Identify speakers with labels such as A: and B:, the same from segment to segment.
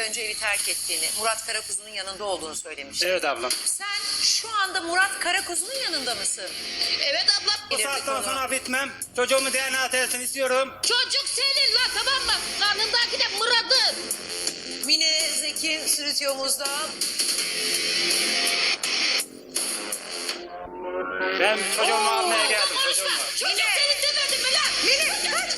A: önce evi terk ettiğini, Murat Karakuzu'nun yanında olduğunu söylemiştin.
B: Evet ablam.
A: Sen şu anda Murat Karakuzu'nun yanında mısın?
C: Evet abla.
B: Bu saatten sonra bitmem. Çocuğumun DNA testini istiyorum.
C: Çocuk senin lan, tamam mı? Karnındaki de Murat'ın.
A: Mine Zeki stüdyomuzda.
B: Ben çocuğumu almaya
C: Oğlum
B: geldim.
C: konuşma.
B: Çocuğumu.
C: Çocuk senin demedim mi lan?
A: Mine kaç!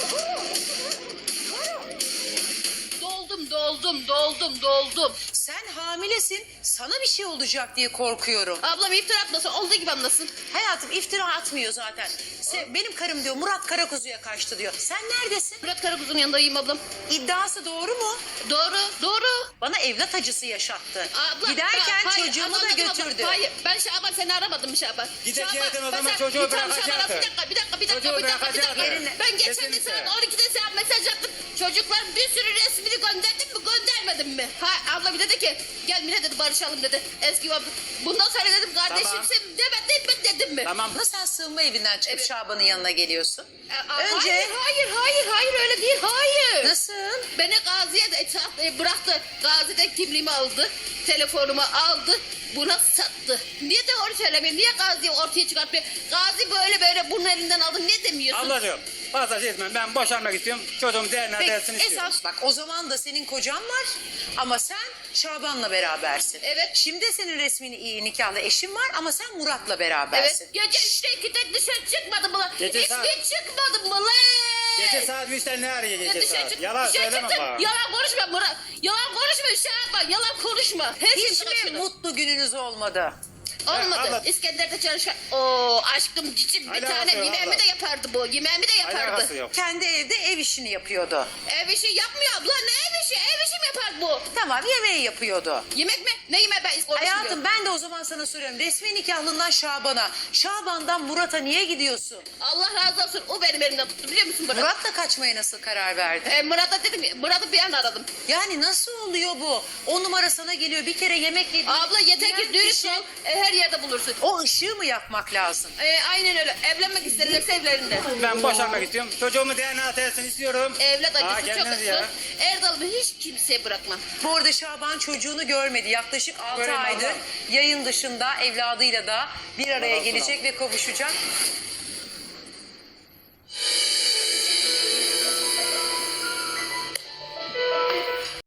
C: Doldum.
A: Sen hamilesin, sana bir şey olacak diye korkuyorum.
C: Ablam iftira atmasın, olduğu gibi anlasın.
A: Hayatım iftira atmıyor zaten. Benim karım diyor Murat Karakuzu'ya kaçtı diyor. Sen neredesin?
C: Murat Karakuzu'nun yanındayım ablam.
A: İddiası doğru mu?
C: Doğru.
A: Bana evlat acısı yaşattı.
C: Abla,
A: Giderken
C: hayır,
A: çocuğumu da
C: anladım abla.
A: götürdü.
C: Hayır, ben Şaban seni aramadım Şaban.
B: Gidecektin o zaman
C: ben-
B: çocuğu
C: Bir tane
B: bırakacaktın.
C: Şaban'a bir dakika.
B: Çocuğu bırakacaktın.
C: Ben geçen de
B: Kesinlikle.
C: saat 12'de sana mesaj attım. Çocuklar bir sürü resmini gönderdim mi göndermedim mi? Ha, abla bir dedi ki gel Mine dedi barışalım dedi. Eski bundan sonra dedim kardeşimsin demedim mi dedim mi?
B: Tamam.
A: Ama sen sığınma evinden çıkıp
C: Evet.
A: Şaban'ın yanına geliyorsun.
C: Önce... Hayır öyle değil hayır.
A: Nasıl?
C: Beni Gazi'ye de bıraktı. Gazi'de kimliğimi aldı. Telefonumu aldı. Buna sattı. Niye de onu söylemiyor? Niye Gazi'yi ortaya çıkartmıyor? Gazi böyle bunun elinden aldı. Ne demiyorsun?
B: Ablacığım fazla şey etmem. Ben boşanmak istiyorum. Çocuğumun DNA
A: Peki
B: testini istiyorum.
A: esas bak o zaman da senin kocan var ama sen Şaban'la berabersin.
C: Evet.
A: Şimdi senin resmini iyi nikahlı eşin var ama sen Murat'la berabersin.
C: Evet. Gece 3'te 2'de dışarı çıkmadım mı lan?
B: Gece
C: Hiç
B: saat-
C: çıkmadım mı lan?
B: Gece saat 3'te ne arıyor
C: Ya
B: gece
C: dışarı
B: saat?
C: çık-
B: Yalan
C: dışarı
B: söyleme
C: çıktım.
B: bana.
C: Yalan konuşma Murat. Yalan konuşma Şaban. Yalan konuşma. Her
A: Hiç
C: şeyi
A: mi
C: kaçırdım.
A: mutlu gününüz olmadı?
C: Olmadı.
B: abla-
C: İskender'de çalışan... Oo aşkım cicim bir
B: Alakası
C: tane
B: yok
C: yemeğimi
B: abla.
C: de yapardı bu. Yemeğimi de yapardı.
B: Alakası yok.
A: Kendi evde ev işini yapıyordu.
C: Ev işi yapmıyor abla. Ne ev işi? Ev işi mi yapar bu?
A: Tamam yemeği yapıyordu.
C: Yemek mi? Ne yemeği ben konuşmuyorum.
A: Hayatım ben de o zaman sana soruyorum. Resmi nikahlından Şaban'a, Şaban'dan Murat'a niye gidiyorsun?
C: Allah razı olsun. O benim elimden tuttu biliyor musun Murat?
A: Murat'la kaçmaya nasıl karar verdin?
C: Murat'a dedim Murat'ı bir an aradım.
A: Yani nasıl oluyor bu? O numara sana geliyor bir kere yemek yedin.
C: Abla yeter
A: Diğer
C: ki dürüst
A: kişi-
C: ol. Her yerde bulursun.
A: O ışığı mı yakmak lazım?
C: Aynen öyle. Evlenmek isterlerse evlerinde.
B: Ben boşanmak istiyorum. Çocuğumun DNA testini istiyorum.
C: Evlat
B: Aa,
C: acısı çok
B: kendiniz
C: acısı.
B: ya.
C: Erdal'ımı hiç kimseye bırakmam.
A: Bu arada Şaban çocuğunu görmedi. Yaklaşık 6
B: Göreyim
A: aydır
B: abla.
A: yayın dışında evladıyla da bir araya
B: Allah
A: gelecek ve kavuşacak.